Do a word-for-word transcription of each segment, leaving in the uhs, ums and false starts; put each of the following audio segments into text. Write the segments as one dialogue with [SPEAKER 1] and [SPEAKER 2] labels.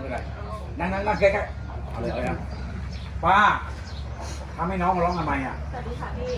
[SPEAKER 1] เป็นไรนั่งนั่งนั่งแค่ๆเอาเลยเอาเลยป้าทำให้น้องมาร้องทำไมอ่ะสวัสดีค่ะพี่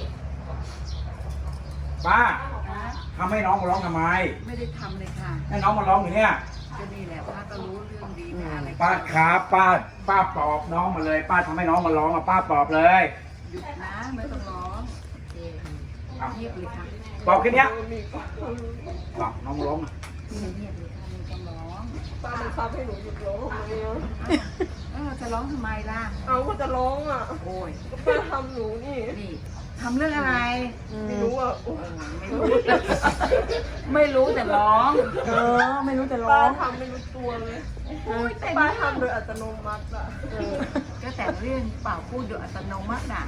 [SPEAKER 1] ป้าทำให้น้องมาร้องทำไม
[SPEAKER 2] ไม่ได้ทำเลยค่ะ
[SPEAKER 1] ให้น้องมาร้องอยู่เนี่ย
[SPEAKER 2] ก็นี่แหละป้าก็รู้เรื่องดีนะอะไร
[SPEAKER 1] ป้าครับป้าป้าปลอบน้องมาเลยป้าทำให้น้องมาร้องอ่ะป้าปลอบเลย
[SPEAKER 2] หยุดนะไม่ต้องร้องเงียบเลยค่ะ
[SPEAKER 1] ปลอบแค่นี้ปลอบน้องร้อง
[SPEAKER 2] เงียบเลยค่ะไม่ต้องร้อง
[SPEAKER 3] ป้าบังคับให้หนูหยุดร้องทำไมอ่ะ
[SPEAKER 2] เออจะร้องทำไมล่ะ
[SPEAKER 3] เอาก็จะร้องอ่ะ
[SPEAKER 2] โอ้ย
[SPEAKER 3] ป้าทำหนูนี่
[SPEAKER 2] นี่ทำเรื่องอะไร
[SPEAKER 3] ไม่รู้อ่ะ
[SPEAKER 2] ไม่รู้ไม่รู้แต่ร้อง
[SPEAKER 4] เออไม่รู้แต่ร้
[SPEAKER 3] ป้า
[SPEAKER 4] อง
[SPEAKER 3] ทำไม่รู้ตัวเลยป้าทำโดยอัตโนมัติอ่ะ
[SPEAKER 2] ก็แต่เรื่องเปล่าพูดโดยอัตโนมัติน่ะ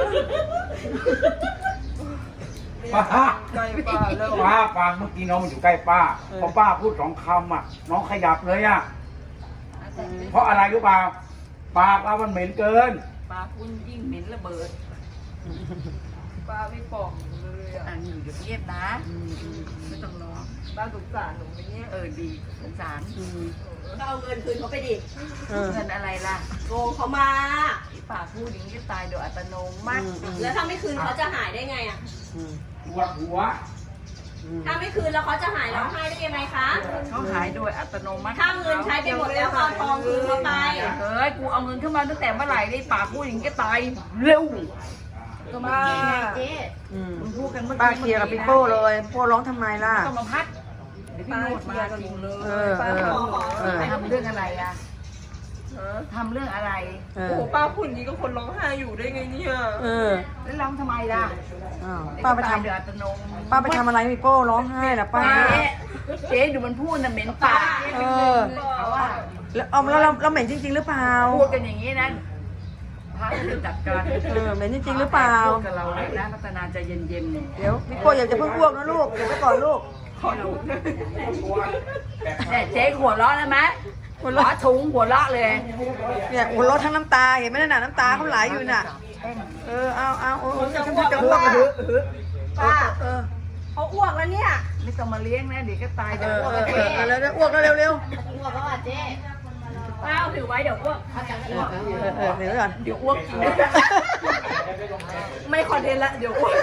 [SPEAKER 1] ป้า
[SPEAKER 3] ใกล้ป้าแล้ว
[SPEAKER 1] ป้าฟังเมื่อกี้น้องมันอยู่ใกล้ป้าพอป้าพูดสองคำอ่ะน้องขยับเลยอ่ะเพราะอะไรรู้เปล่าปากเรามันเหม็นเกิน
[SPEAKER 2] ปากคุณยิ่งเหม็นระเบิด
[SPEAKER 3] ป้าไม่ปอกเลยอ่ะ
[SPEAKER 2] อันนี้เดี๋ยวเงียบนะไม่ต้องร้อง
[SPEAKER 3] ป้าสงสารหนูไหมเนี่ย
[SPEAKER 2] เออดีสงสาร
[SPEAKER 3] ก็เอาเงินคืนเขาไปดิ
[SPEAKER 2] เงินอะไรล่ะ
[SPEAKER 3] โกงเขามา
[SPEAKER 2] ปากพูดอย่างนี้ตายโดยอัตโนมัติ
[SPEAKER 3] แล้วถ้าไม่คืนเขาจะหายได้ไงอ่ะ
[SPEAKER 1] หัวหัว
[SPEAKER 3] ถ้าไม่คืนแล้วเขาจะหายร้องไห้ได้ยังไงคะ
[SPEAKER 2] เขาหายโดยอัตโนมัติ
[SPEAKER 3] ถ้าเงินใช้ไปหมดแล้วเอาทองคืนเขาไป
[SPEAKER 2] เฮ้ยกูเอาเงินขึ้นมาตั้งแต่เมื่อไหร่ได้ปากพูดอย่างนี้ก็ตายเร็วก็มา
[SPEAKER 3] เจ๊
[SPEAKER 2] มึงพูดกันเมื่อกี้
[SPEAKER 4] ป้าเคลียร์กับพี่โป้เลยโป้ร้องทำไมล่ะ
[SPEAKER 2] ต้องมาพัดเดี๋ยวพี่โนดมาจริงเลย
[SPEAKER 4] เออเออ
[SPEAKER 2] ทำเรื่องอะไรอ่ะทำเรื่องอะไร
[SPEAKER 3] โอ้โหป้าพูดอย่างนี้ก็คนร้องไห้อยู่ได้ไงเนี่ย
[SPEAKER 4] เออ
[SPEAKER 2] แล้วร้องทำไมล่ะ
[SPEAKER 4] ป้าไปทำป้าไปทำอะไรพี่โป้ร้องไห้ล่ะป้า
[SPEAKER 2] เจ๊ดูมันพูดน่ะเหม็นปาก
[SPEAKER 4] เออแล้วเอาแล้วเราเหม็นจริงๆหรือเปล่า
[SPEAKER 2] พูดกันอย่างนี้นะพระจะจัดการ
[SPEAKER 4] เออเหม็นจริงๆหรือเปล่า
[SPEAKER 2] พูดกับเราเลยนะพัฒนาใจเย็น
[SPEAKER 4] ๆเดี๋ยวพี่โป้อย่าจะเพิ่งอ้วกนะลูกเดี๋ยวไปก่อนลูก
[SPEAKER 2] ขอลูกแต่เจ๊หัวเราะนะไหมหัวเราะถุงหัวเราะเลย
[SPEAKER 4] เนี่ยหัวเราะทั้งน้ำตาเห็นไหมน่ะน้ำตาเขาไหลอยู่น่ะเออเอาเอาโอ้ยจะอ้วกจะอ้วก
[SPEAKER 3] ป้าเออเขาอ้วกแล้วเนี่ย
[SPEAKER 2] ไม่ต้องมาเลี้ยงนะเดี๋ยวก็ตายเดี๋ยวอ้วก
[SPEAKER 4] แล้วอ้วกแล้วเร็วเร็ว
[SPEAKER 3] อ้วกแล้วอ่ะเจ๊ป้าเอาถือไว้เดี๋ยวอ้วกเขาจะอ้วก
[SPEAKER 4] เดี๋ยวก่อน
[SPEAKER 2] เดี๋ยวอ้วก
[SPEAKER 3] ไม่คอนเทนต์ละเดี๋ยวอ้วก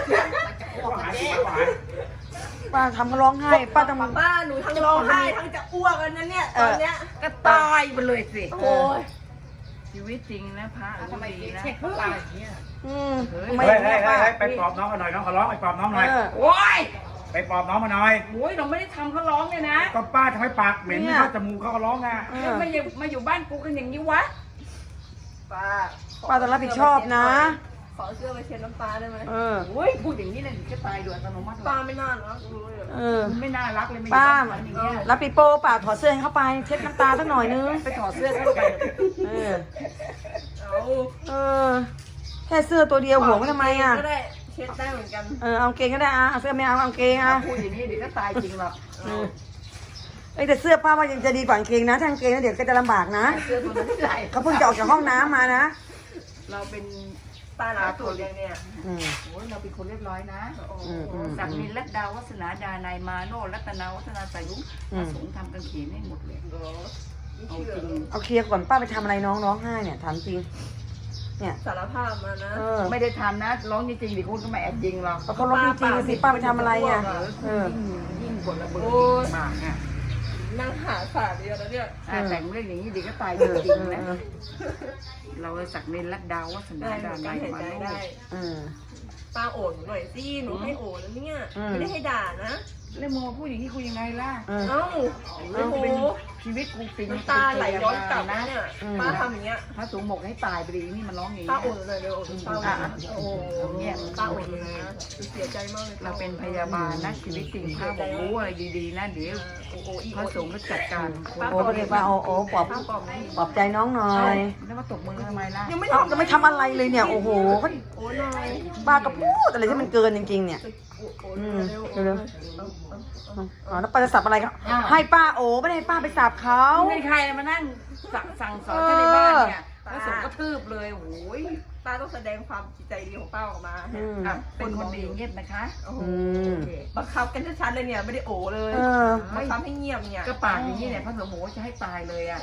[SPEAKER 4] ป้าทำเขาร้องไห้ป้าทำ
[SPEAKER 3] ป้าหนูทั้งร้องไห้ทั้งจะอ้วกกันนะเนี่ยตอนเนี้ย
[SPEAKER 2] ก็ตายไปเลยสิ
[SPEAKER 3] โอ้ย
[SPEAKER 2] ชีวิตจริงนะพระทำไมดีนะ
[SPEAKER 3] เช็คเพื่ออะไรเนี่ย
[SPEAKER 4] อืม
[SPEAKER 1] ไม่ไม่ไม่ไปปลอบน้องมาหน่อยน้องเขาร้องไปปลอบน้องหน่อย
[SPEAKER 2] โอ้ย
[SPEAKER 1] ไปปลอบน้องมาหน่อย
[SPEAKER 2] โอ้ยเราไม่ได้ทำเขาร้องเลยนะ
[SPEAKER 1] ก็ป้าทำให้ปากเหม็นไม่เข้าจมูกเขาก็ร้องไง
[SPEAKER 2] ไม่อยู่มาอยู่บ้านกูกันอย่างนี้วะ
[SPEAKER 3] ป้า
[SPEAKER 4] ป้าต้องรับผิดชอบนะ
[SPEAKER 3] ขอเสื้อไปเช็ดน้ำตาได้ไหม
[SPEAKER 4] เออ
[SPEAKER 2] โอ้ยพูดอย่างนี้เลยจะตายโดยอัตโนมัติ
[SPEAKER 3] ป้าไม่น่ารักเลย
[SPEAKER 4] เออ
[SPEAKER 2] ไม่น่ารักเลย
[SPEAKER 4] ป้ารับปีโป้ป้าถอดเสื้อให้เขาไปเช็ดน้ำตาสักหน่อยนึง
[SPEAKER 2] ไปถอดเสื้อเข้าไป
[SPEAKER 4] เออเออแค่เสื้อตัวเดียวห่วงไว้ทำไมอ่ะ
[SPEAKER 3] ก็ได้เช็ดได้เหมือนกัน
[SPEAKER 4] เออเอาเกงก็ได้อ่ะเอาเสื้อไม่เอาเอาเกงอ่ะ
[SPEAKER 2] พูดอย่างนี้เดี๋ยวก็ตายจริงหรอก
[SPEAKER 4] เอ้แต่เสื้อป้าว่ายังจะดีกว่าเกงนะถ้าเกงแล้วเดี๋ยวก็จะลำบากนะ
[SPEAKER 2] เสื้อตัวนั้นใส่
[SPEAKER 4] เขาเพิ่งจะออกจากห้องน้ำมานะ
[SPEAKER 2] เราเป็น
[SPEAKER 3] ป้าหนาตัวเดียวเนี่ย
[SPEAKER 2] โอ้ยเราเป็นคนเรียบร้อยนะสักนินรัตดาวัฒนาดานายมาโนรัตนาวัฒนาสายุมาสงทำกันเขียนให้หมดเลย
[SPEAKER 4] เอาจริงเอาเคลียร์ก่อนป้าไปทำอะไรน้องร้องไห้เนี่ยถามจริงเนี่ย
[SPEAKER 3] สารภาพมานะ
[SPEAKER 2] ไม่ได้ทำนะร้องจริงๆดิคุณก็ไม่แอบยิงหรอก
[SPEAKER 4] เขาร้องจริงสิป้าไปทำอะไรอ่ะ
[SPEAKER 2] ยิ่งกว่าระเบิดมากอ่ะ
[SPEAKER 3] นั่งหาสารเดียวแล้วเนี่ย
[SPEAKER 2] แต่งเรื่องอย่างนี้ดิก็ตายจริงๆนะเราสักเน้นรัดดาววัฒนาดานายมาโน
[SPEAKER 3] ป้าโอนหน่อยสิหนูให้โอนแล้วเนี่ยไม่ได้ให้ด่านะ
[SPEAKER 2] แล้วโมพูดอย่างนี้คุยยังไงล่ะ
[SPEAKER 3] เอ้าโอ้โห
[SPEAKER 2] ชีวิตกูฟิน
[SPEAKER 3] ตาไหลย้อนกลับนะเนี่ยป้าทำอย่างเงี้ย
[SPEAKER 2] พระสูงหมกให้ตายไปดีนี่มันร้องอย่างนี้
[SPEAKER 3] ป้าโอนเลยเดี๋ยวป้าโอ้เนี่ยป้าโอนเลยนะเสียใจมากเลย
[SPEAKER 2] เราเป็นพยาบาลนะชีวิตจริงป้าบอกรู้อะไรดีๆนะเดี๋ยวพระสงฆ์ก็จัดการ
[SPEAKER 4] โอ้ก็เลยป้าโอ้โอ้ปลอบปลอบใจน้องหน่อย
[SPEAKER 2] แล้วมาตบมือทำไมล่ะ
[SPEAKER 4] ยังไม่ทำจะไม่ทำอะไรเลยเนี่ยโอ้โหป้าก็พูดอะไรที่มันเกินจริงๆเนี่ยอืมเร็วๆอ๋อแล้วป้าจะสับอะไรครับให้ป้าโอ้ไม่ได้ให้ป้าไปสับเขา
[SPEAKER 2] ไม่ใครมานั่งสั่งสอนในบ้านเนี่ยพระสงฆ์ก็ทืบเลยโอ้ย
[SPEAKER 3] ป้าต้องแสดงความจิตใจดีของป้าออกมา
[SPEAKER 2] เป็นคนดีเงียบนะคะ
[SPEAKER 3] บังคับกันชัดๆเลยเนี่ยไม่ได้โอ้เลยบังคับให้เงียบเนี่ย
[SPEAKER 2] ก็ปากอย่างนี้เนี่ยพระสงฆ์จะให้ตายเลยอ่ะ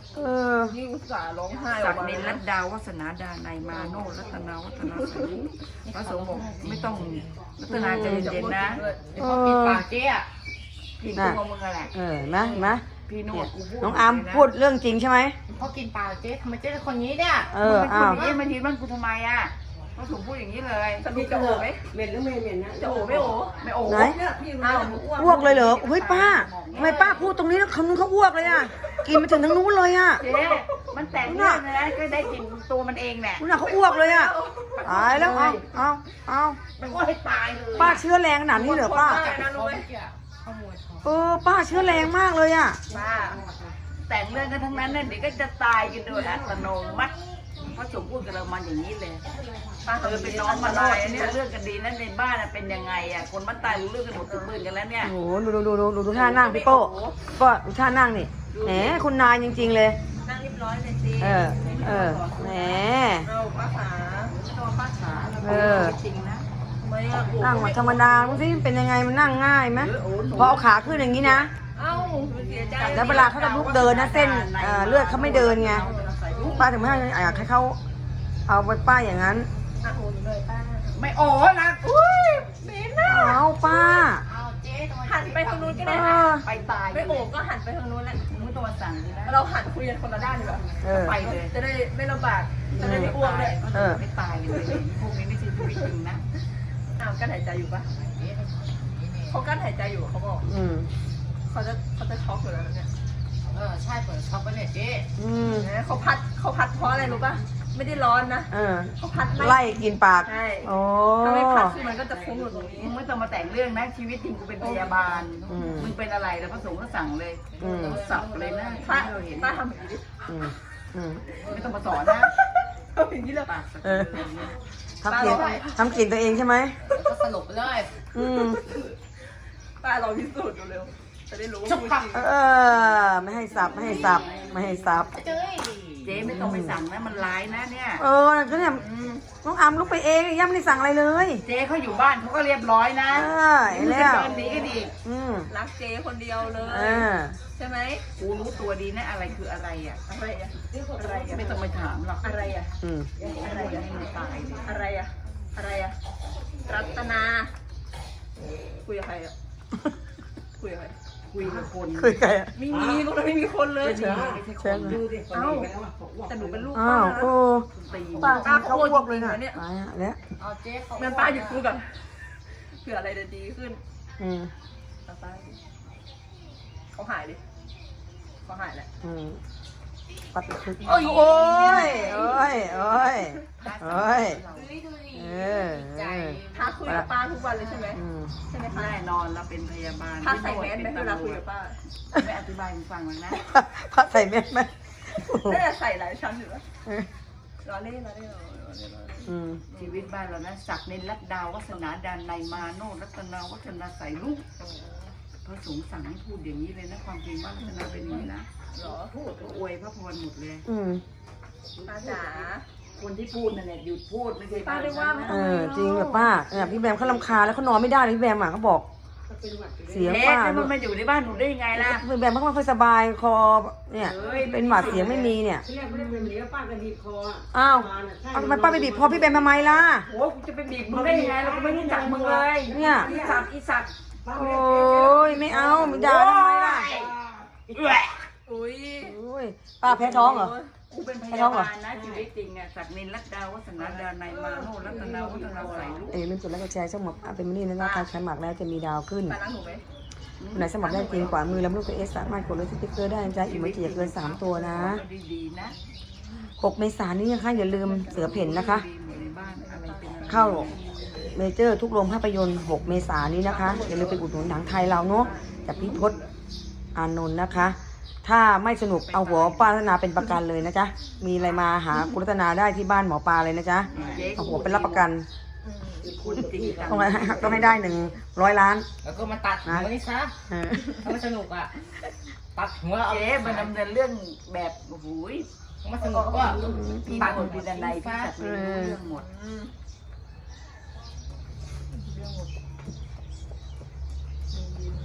[SPEAKER 4] เออ
[SPEAKER 3] นี่อุตส่าห์ร้องไห้
[SPEAKER 2] ศักดินรัตดาวัฒนาดานายมาโนรัตนาวัฒนาสารุพระสงฆ์บอกไม่ต้องรัตนาใจเย็นๆนะ
[SPEAKER 4] เออ
[SPEAKER 2] ปากเจ๊อะพี่ตัวมึงอะไร
[SPEAKER 4] เออเห็นไหมเห็นไหม
[SPEAKER 2] พี่โนดกูพูด
[SPEAKER 4] น้องอาร์มพูดเรื่องจริงใช่ไหม
[SPEAKER 5] พอกินปลาเจ๊ทำไมเจ๊เป็นคนนี้เนี่ย
[SPEAKER 4] เอ
[SPEAKER 2] มึ
[SPEAKER 4] อง
[SPEAKER 2] เป็นค
[SPEAKER 4] อ้าน ว
[SPEAKER 2] อย่างนี้มาทีบ้านกูทำไมอ่ะพระสงฆ์พูดอย่างนี้เลย
[SPEAKER 3] สรุปจะโอไหม
[SPEAKER 5] เหม็นหรือไม่เหม็นนะ
[SPEAKER 3] จะโอไม่โอ
[SPEAKER 2] ไม่โอ้
[SPEAKER 4] ไหน
[SPEAKER 3] อ้าว
[SPEAKER 4] อ้วกเลยเหรอเฮ้ยป้าทำไมป้าพูดตรงนี้แล้วคำนู้นเขาอ้วกเลยอ่ะ กินไปถึงทางนู้นเลยอ่ะ
[SPEAKER 2] เจ๊มันแต่งเรื่องนะก็ได้กินตัวมันเองแหละ
[SPEAKER 4] นู้นน่ะเขาอ้วกเลยอ่ะ ตายแล้ว เอาเอาเอา
[SPEAKER 2] มันก็ให้ตายเลย
[SPEAKER 4] ป้าเชื้อแรงขนาดนี้เหรอป้า
[SPEAKER 3] นะรู้ไหม
[SPEAKER 4] เออ ป้าเชื้อแรงมากเลยอ่ะ
[SPEAKER 2] ป้าแต่งเรื่องกันทั้งนั้นเนี่ยเดี๋ยวก็จะตายกันโดยอัตโนมัติพระสงฆ์พูดกับเรามาอย่างนี้เลยป้าเออเป็นน้องมาลอยเนี่ยเรื่องกันดีนั้นในบ้านเป็นยังไงอ่ะคนมันตายรู้เรื่องกันหมดทุกปืนกันแล้วเนี่ย
[SPEAKER 4] โอ้โหดูดูดูดูดูดูท่านั่งพี่โป้ก็ดูท่านั่งนี่แหมคุณนายจริง ๆ เลย
[SPEAKER 3] นั่งเรียบร้อยเลยสิ
[SPEAKER 4] เออ เออ แหม
[SPEAKER 3] เราป้าขา
[SPEAKER 2] ตัวป้าขา
[SPEAKER 4] เออ
[SPEAKER 2] จริงนะ
[SPEAKER 3] ไม่อะ
[SPEAKER 4] นั่งมาธรรมดาดูสิเป็นยังไงมันนั่งง่ายไหมพอเอาขาขึ้นอย่างนี้นะ
[SPEAKER 3] เอ้าเสียใจ
[SPEAKER 4] แล้วเวลาเขาจะลุกเดินนะเส้นเอ่อเลือดเขาไม่เดินไงป้าถึงไม่ให้อยากให้เขาเอาไปป้ายอย่างนั้น
[SPEAKER 3] อ่ะโอนเลยป้า
[SPEAKER 2] ไม่โอ้นะอุ้ย
[SPEAKER 3] เบนน่ะ
[SPEAKER 4] เอาป้า
[SPEAKER 5] เอาเจ๊ทำไม
[SPEAKER 3] หันไปทางนู้นก็
[SPEAKER 4] เอ
[SPEAKER 3] ได้นะ
[SPEAKER 4] อ
[SPEAKER 2] ไปตาย
[SPEAKER 3] ไม่โอบก็หันไปทางนู้นแหละ
[SPEAKER 2] มึงไม่ต้องมาสั่งดีนะ
[SPEAKER 3] เราหันคุยกันคนละด้านดีกว่า
[SPEAKER 4] เออ
[SPEAKER 2] ไปเลย
[SPEAKER 3] จะได้ไม่ลำบากจะได้ไม่อ้วกเลย
[SPEAKER 4] เออ
[SPEAKER 2] ไม่ตายเลยพวกนี้ไม่ใช่ชีวิตจริงนะ
[SPEAKER 3] อ้าวกั้นหายใจอยู่ปะเขากั้นหายใจอยู่เขาบอก
[SPEAKER 4] อืม
[SPEAKER 3] เขาจะเขาจะช็อกอยู่แล้วนะเนี่ย
[SPEAKER 5] เออใช่เปิดช็อปไปเนี่ยเจ๊
[SPEAKER 4] อืม
[SPEAKER 3] นะเขาพัดเขาพัดเพราะอะไรรู้ปะไม่ได้ร้อนนะ
[SPEAKER 4] เออ
[SPEAKER 3] เขาพัด
[SPEAKER 4] ไล่กินปาก
[SPEAKER 3] ใช่
[SPEAKER 4] โอ้
[SPEAKER 3] ถ้าไม่พัดคือมันก็จะฟุ้งอยู่ตรงนี้
[SPEAKER 2] มึงไม่ต้องมาแต่งเรื่องนะชีวิตจริงกูเป็นพยาบาล
[SPEAKER 4] อืม
[SPEAKER 2] มึงเป็นอะไรแล้วพระสงฆ์ก็สั่งเลย
[SPEAKER 4] อืม
[SPEAKER 2] สับเลยนะ
[SPEAKER 3] ป้า
[SPEAKER 2] ที่เราเห็น
[SPEAKER 3] ป้าทำแบบนี้ดิ
[SPEAKER 4] อืมอืม
[SPEAKER 2] ไม่ต้องมาสอนนะ
[SPEAKER 3] ทำอย่างนี้เลย
[SPEAKER 2] ปากสัก
[SPEAKER 4] เออ
[SPEAKER 2] เรื่องนี้
[SPEAKER 4] ทำกลิ่นทำกลิ่นตัวเองใช่ไหม
[SPEAKER 5] ก็สลบไปเลย
[SPEAKER 4] อืม
[SPEAKER 3] ป้าลองพิสูจน์ดูเร็วจะได้รู้ว่าพูดจริง
[SPEAKER 4] เออ ไม่ให้สับ ไม่ให้สับ ไม่ให้สับ
[SPEAKER 5] เจ๊
[SPEAKER 2] เจ๊ไม่ต้องไปสั่งนะมันร้ายนะเนี่ย
[SPEAKER 4] เออก็เนี่ยน้องอามลุกไปเองย่าไม่ได้สั่งอะไรเลย
[SPEAKER 2] เจ๊เขาอยู่บ้านเขาก็เรียบร้อยนะ
[SPEAKER 4] เออเห็นแล้ว
[SPEAKER 2] มึงจะเดินหนีก็ดี
[SPEAKER 4] อืม
[SPEAKER 3] รักเจ๊คนเดียวเล
[SPEAKER 4] เอย อ
[SPEAKER 3] ใช่ไหม
[SPEAKER 2] กูรู้ตัวดีนะอะไรคืออะไรอ่ะ
[SPEAKER 3] อะไรอะอะไรอะ
[SPEAKER 2] ไม่ต้องไปถามหรอก
[SPEAKER 3] อะไรอะ
[SPEAKER 4] อืม
[SPEAKER 2] อะไรอะให้มันตายเลย
[SPEAKER 3] อะไรอะอะไรอะรัตนา คุยกับใครอะคุยกับใคร
[SPEAKER 2] คุยกับคน
[SPEAKER 4] คุยใครอ่ะ
[SPEAKER 3] ไม่มีลูกเราไม่มีคนเลย
[SPEAKER 2] ไม่ใช่คน
[SPEAKER 1] ดูดิ
[SPEAKER 3] เอ้าแต่หนูเป็นลูก
[SPEAKER 4] อ้า
[SPEAKER 3] ป้าว นะ
[SPEAKER 4] โอ้
[SPEAKER 2] ตี
[SPEAKER 4] ป้ากินเขาอ้วกเลยนะ
[SPEAKER 3] เนี่ย
[SPEAKER 4] ตายอ่ะเนี่ย
[SPEAKER 5] เอาเจ๊เขา
[SPEAKER 3] แม่ป้าหยุดพูดก่อนเผื่ออะไรจะดีขึ้น
[SPEAKER 4] อืม
[SPEAKER 3] ป้าป้าเขาหายดิเขาหายแหละ
[SPEAKER 4] อืมปัดคุยโอ้ยโอ้ยโอ้ยโอ้ยโอ้ย
[SPEAKER 5] ดูดิดูดิ
[SPEAKER 4] เออเออ
[SPEAKER 3] ถ้าคุยกับป้าทุกวันเลยใช่ไหม
[SPEAKER 4] อืม
[SPEAKER 3] ใช่ไหมคะ
[SPEAKER 2] แน่นอนเราเป็นพยาบาล
[SPEAKER 3] ถ้าใส่แมสไหมเวลาคุยกับป้า
[SPEAKER 2] ไม่อธิบายมึงฟังหรอกนะ
[SPEAKER 4] พัดใส่เม็ดไหม
[SPEAKER 3] น่าจะใส่หลายชั้นอยู่นะ
[SPEAKER 4] เออ
[SPEAKER 3] รอเล่นรอเล่นรอเล่นรอเล่นรอเล่น
[SPEAKER 4] อืม
[SPEAKER 2] ชีวิตบ้านเรานะศักดิ์เนรรัตดาวัฒนาดานในยมาโนรัตนาวัฒนาใส่ลูกพระสงฆ์สั่งให้พูดอย่างนี้เลยนะความจริงบ้านรัตนาเป็นอย่างนี้นะ
[SPEAKER 3] เหรอ
[SPEAKER 2] พูดก็อวยพระพรหมดเลย
[SPEAKER 4] อืม
[SPEAKER 3] ป้าจ๋า
[SPEAKER 2] คนที่พูดนั่นแหละหยุดพูดไม่ใช่
[SPEAKER 3] ป้าได้ว่าไหม
[SPEAKER 4] เออจริงแบบป้าเนี่ยพี่แบมเขาลำคาญแล้วเขานอนไม่ได้เลยพี่แบมอ่ะเขาบอก เสียง
[SPEAKER 2] เอ๊ะ
[SPEAKER 4] ป้า
[SPEAKER 2] แล้ว
[SPEAKER 4] ด้
[SPEAKER 2] มั
[SPEAKER 4] วน ย
[SPEAKER 2] มาอยู่ในบ้านหนูได้ยังไงล่ะ
[SPEAKER 4] พี่แบมเขาไม่ค่อยสบายคอเนี่ย เป็นหวัดเสียงไม่มีเนี่ย
[SPEAKER 6] เรียกไม่เป็นเดี๋ยวป้าก็ดีบคออ่ะ
[SPEAKER 4] อ้าว
[SPEAKER 6] มาน่ะใช่
[SPEAKER 4] เอาทำไมป้าไปบีบคอพี่แบมทำไมล่ะ
[SPEAKER 2] โอ้กูจะไปบีบมึงได้ยังไงเราก็ไม่รู้จักมึงเลย
[SPEAKER 4] เนี่ย
[SPEAKER 2] อีสัตว์อีสัตว์
[SPEAKER 4] โอ้ยไม่เอาไม่ด่าทำไมล่ะ
[SPEAKER 3] อุ้ย
[SPEAKER 4] โอ้ยป้าแพ้ท้องเหรอ
[SPEAKER 2] กูเป็นพยาบาลนะชีวิตจริงอ่ะศักดิ์เนรรัตดาวัฒนาดานายมาโนรัตนาวัฒนาใส่ลูก
[SPEAKER 4] เอ้ยลืมกดไลค์กดแชร์ช่องหมอกอ่ะเป็นมินี่นะการใช้หมักแล้วจะมีดาวขึ้น
[SPEAKER 3] ป้าล้างหนูไหม
[SPEAKER 4] คนไหนสมัครได้จริงกว่ามือแล้วลูกตัวเอสสามารถกดเลยสติ๊กเกอร์ได้นะจ๊ะอีกไม่กี่เกินสามตัวนะ
[SPEAKER 2] ดีๆนะ
[SPEAKER 4] หกเมษายนนี้นะคะอย่าลืมเสือเพ่นนะคะ
[SPEAKER 2] ดีหมดในบ้านอะไรเป็นอะไร
[SPEAKER 4] เข้าเมเจอร์ทุกโรงภาพยนตร์หกเมษายนนี้นะคะอย่าลืมไปอุดหนุนหนังไทยเราเนาะจากพี่พศอานนท์นะคะ ถ้าไม่สนุกเอาหัวป้ารัตนาเป็นประกันเลยนะจ๊ะมีอะไรมาหาคุณรัตนาได้ที่บ้านหมอปลาเลยนะจ๊ะเอาหัวเป็นรับประกัน
[SPEAKER 2] คุณจริงจัง
[SPEAKER 4] ต้องให้ต้องให้ได้หนึ่งร้อยล้าน
[SPEAKER 5] แล้วก็มาตัดหัวนี่ซะ
[SPEAKER 4] เออ
[SPEAKER 5] ถ้าไม่สนุกอ่ะ ตัดหัวเอา
[SPEAKER 2] เจ๊มันดำเนินเรื่องแบบโอ้โหย
[SPEAKER 5] ไม่สนุกก็
[SPEAKER 2] พี่หมดพี่ดันในพี่จัดเรื่องหมด
[SPEAKER 3] อืม
[SPEAKER 2] ท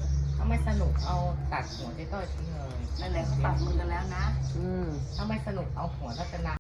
[SPEAKER 5] าไม่สนุกเอาตัดหัวเจ๊ต้อยทิ้งเลย
[SPEAKER 2] นั่นแหละเขาตัดมือกันแล้วนะ
[SPEAKER 4] อืม
[SPEAKER 5] ถ้าไม่สนุกเอาหัวรัตนา